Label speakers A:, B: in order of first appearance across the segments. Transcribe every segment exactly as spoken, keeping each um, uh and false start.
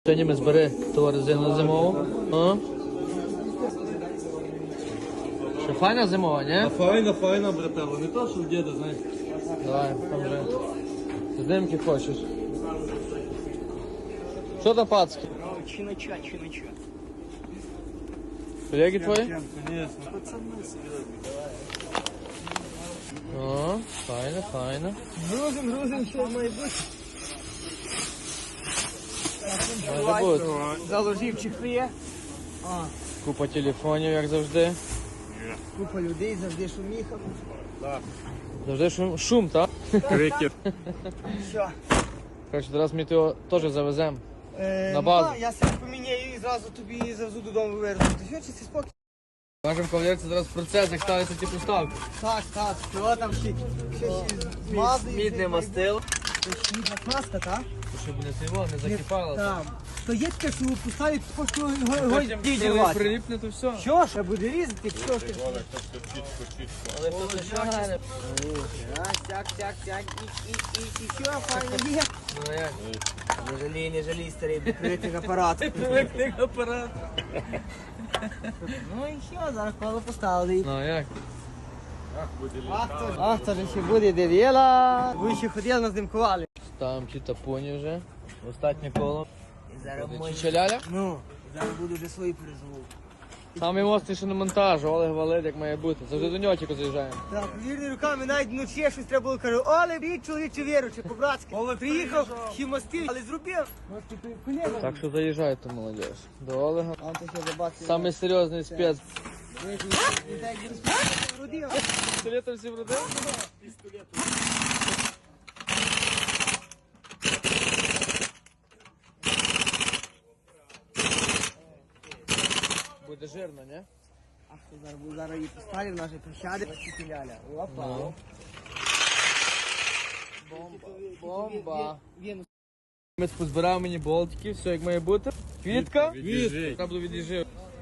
A: Сьогодні ми збери ту резину зимову. О. Що файна зимова, ні?
B: А файна, файна, брателло. Не то, що в діда, знаєш.
A: Давай, там вже. Здимки хочеш. Що там, пацки?
C: Чинача, чинача.
A: Колеги твої?
B: Конечно.
C: Пацаны собирают.
A: О, файно, файно.
C: Грузим, грузим, що має бути.
A: Може бути.
C: Заложив чехли. А,
A: Купа телефонів, як завжди.
C: купа людей, завжди шуміха.
A: Завжди шум, шум, так?
B: Крикет.
C: Що?
A: Короче, зараз ми його теж завеземо.
C: Е,
A: На базу.
C: ну, так, я себе поміняю і зразу тобі завезу додому вивезу. Ти що, чи це спокій?
A: Кажемо, кавалерці, зараз процес, як ставиться ті поставки.
C: Так, так, що там ще? Що ще змазується?
A: Мідне мастило.
C: Це мідна краска, так?
A: Щоб не сиво, не закипало.
C: Так. То є таке, що поставить, що його
A: Потім коли прилипне, то все.
C: Що ж, буде різати, що ж ти?
A: Але то не шагане.
C: Так, сяк, сяк, сяк, і, і, і, і що, файно є?
A: Ну як?
C: Не жалій, не жалій, старий, прикритих апарат.
A: Привикли апарат.
C: Ну і що, зараз коло поставили.
A: Ну як?
C: Ах, то, ах, то ж ще буде дев'єла. Ви ще ходили, нас димкували.
A: Ставимо ті тапоні вже. Останнє коло.
C: І зараз
A: Буде
C: мої...
A: чичаляля.
C: Ну, зараз буду вже свої перезвук.
A: Самий мостний, що на монтажу, Олег валить, як має бути. Завжди до нього тільки заїжджаємо.
C: Так, вірні руками, навіть вночі щось треба було, кажу, Оле, рік чоловіче віручи, по-братськи. Приїхав, ще мости, але зробив.
A: Так що заїжджайте, молодіж. До Олега.
C: А то ще забачив.
A: Самий серйозний спец.
C: Родив.
A: Пістолетом всі вродив? Буде жирно, не?
C: Ах, то зараз буду зараз її поставив, наші пощади. Ляля. Опа.
A: Ну. Бомба. Бомба.
C: Він
A: Ми позбирав мені болтики, все як має бути. Квітка.
B: Від'їжджай.
A: Треба було від'їжджати.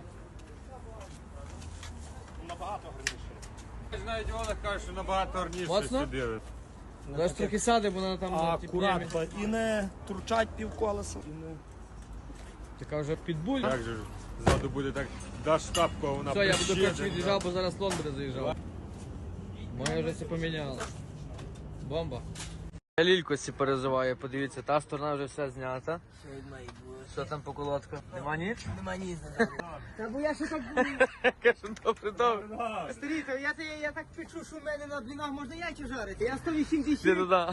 B: Навіть Олег каже, що набагато гарніше
A: Моцно?
B: сюди.
A: Зараз трохи сяде, бо вона там на ті п'ємі.
D: Акуратно і не турчать півколеса.
A: Така вже підбуль.
B: Так же ж, ззаду буде так, даш тапку, а вона
A: Все, я буду
B: прищеде.
A: коротше від'їжджав, бо зараз слон буде заїжджав. Моє вже все поміняло. Бомба. Я лілько сі перезиваю, подивіться, та сторона вже все знята.
C: що від має бути.
A: Що там по колодках? Нема ніч?
C: Нема ні за. Та бо я ще так
A: Кажу, добре, добре.
C: старі, то я, я, я так печу, що в мене на блінах можна яйця жарити. Я сто вісімдесят.
A: Ти туди.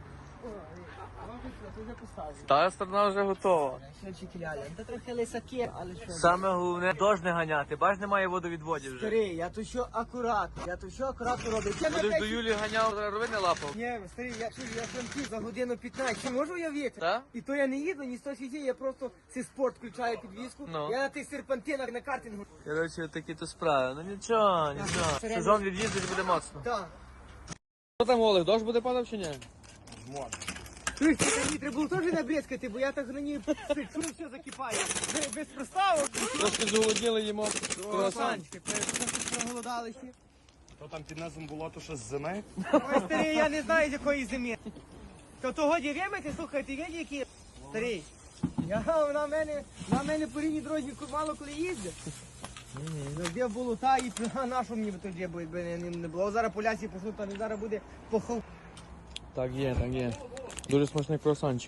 C: Ти вже поставив.
A: Та сторона вже готова.
C: Що чекляля? Та трохи лисаки, але що?
A: Саме головне, дощ не ганяти, бач, немає водовідводів вже.
C: Старий, я то що акуратно, я то що акуратно роблю. Я на
A: Будеш до
C: печі-
A: Юлі ганяв, зараз рови не лапав.
C: Ні, старий, я чую, я франків за годину п'ятнадцять. Чи можу я віти?
A: Та?
C: І то я не їду, ні сто сіді, я просто цей спорт включаю підвіску.
A: Ну.
C: Я на тих серпантинах на картингу.
A: Коротше, такі то справи. Ну нічого, нічого. Сезон від'їздить буде моцно.
C: Так.
A: Що там, Олег, дощ буде падав чи ні?
C: Ти мені треба було теж набрезкати, бо я так на ній печу, все закипає. Без- Без проставок.
A: Трошки зголодніли їмо. Круасан.
C: Круасанчики, проголодали ще.
D: То там під низом було то що з зими.
C: Ой, старий, я не знаю, з якої зими. То того дів'ємити, слухай, ти виді, які... Старий, я, на мене, на мене по рівні дорозі мало коли їздить. Завжди було та і а на що мені би тоді бо якби не, не було. Зараз полясі пошло, там і зараз буде похов.
A: Так є, так є. Дуже смачний круасанчик.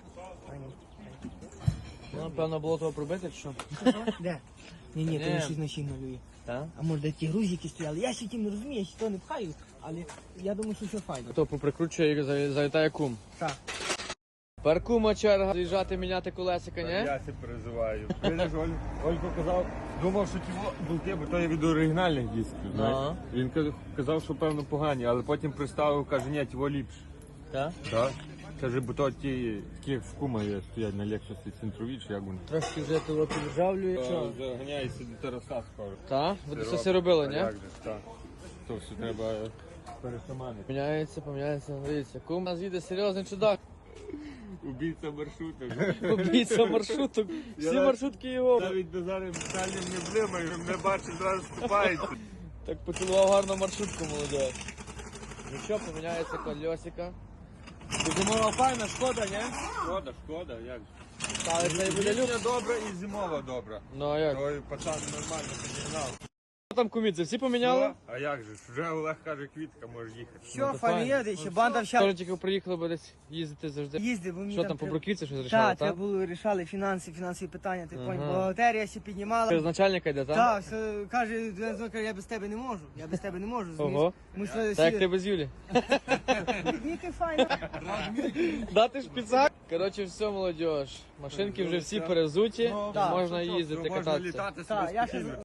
A: Ну, напевно, було того пробити, чи що?
C: Де? Ні, ні, то
A: Ні.
C: не щось на щін малює.
A: Так?
C: А може де ті грузики стояли. Я ще тим не розумію, я ще то не пхаю, але я думаю, що все файно.
A: То поприкручує і за- залітає кум.
C: Так.
A: Тепер кума черга заїжджати, міняти колесика, ні?
B: Я себе переживаю. Видиш, Оль- Олько казав, думав, що ті болти, бо то є від оригінальних дисків, знаєш.
A: Ага.
B: Він каз- казав, що певно погані, але потім приставив, каже, ні, ті ліпше.
A: Так?
B: Так? Каже, бо то ті, такі в кума є, стоять на Лексусі центрові, чи як вони.
A: Трошки вже того піджавлює.
B: То Заганяється до Тараса скоро.
A: Так? Ви це все робили,
B: А
A: ні?
B: як же ж, так. То все треба пересаманити.
A: Поміняється, поміняється, дивіться. Кум у нас їде серйозний чудак.
B: Убійця маршруток.
A: Побійця маршруток. Всі
B: Я-
A: маршрутки його.
B: Навіть до зараз питанням не блимаю, не бачить, зразу ступається.
A: Так поцілував гарно маршрутку, молодець. Ну що, поміняється колесика. Зимова файна, шкода, ні?
B: Шкода, шкода, як же.
A: Але це і буде люк.
B: Літня добра і зимова добра.
A: Ну а як?
B: Той пацан нормально підігнав.
A: Що там кумідзи, всі поміняли?
B: А як же ж? Вже Олег каже, квітка, можеш їхати.
C: Що,
A: то файно.
C: фамілія, ще банда
A: Скоро
C: вся
A: тільки приїхали, бо десь їздити завжди.
C: їздить, бо мені
A: Що там, по
C: треба-
A: бруківці щось рішали,
C: Так,
A: так?
C: треба було рішали фінанси, фінансові питання, ти
A: Ага.
C: поняв, бухгалтерія ще піднімала.
A: Через начальника йде, так?
C: Так, все, каже, Дензо каже, я без тебе не можу, я без тебе не можу, розумієш?
A: Ого.
C: Мусили
A: Так як
C: всі-
A: ти без Юлі.
C: Віки файно.
A: Дати шпицак? Коротше, все, молодь. Машинки вже всі перезуті,
B: Ну,
C: так.
A: можна
B: Що,
A: їздити,
B: можна
A: кататися.
B: літати
C: Так,
B: собі
C: я ще
B: спокійно.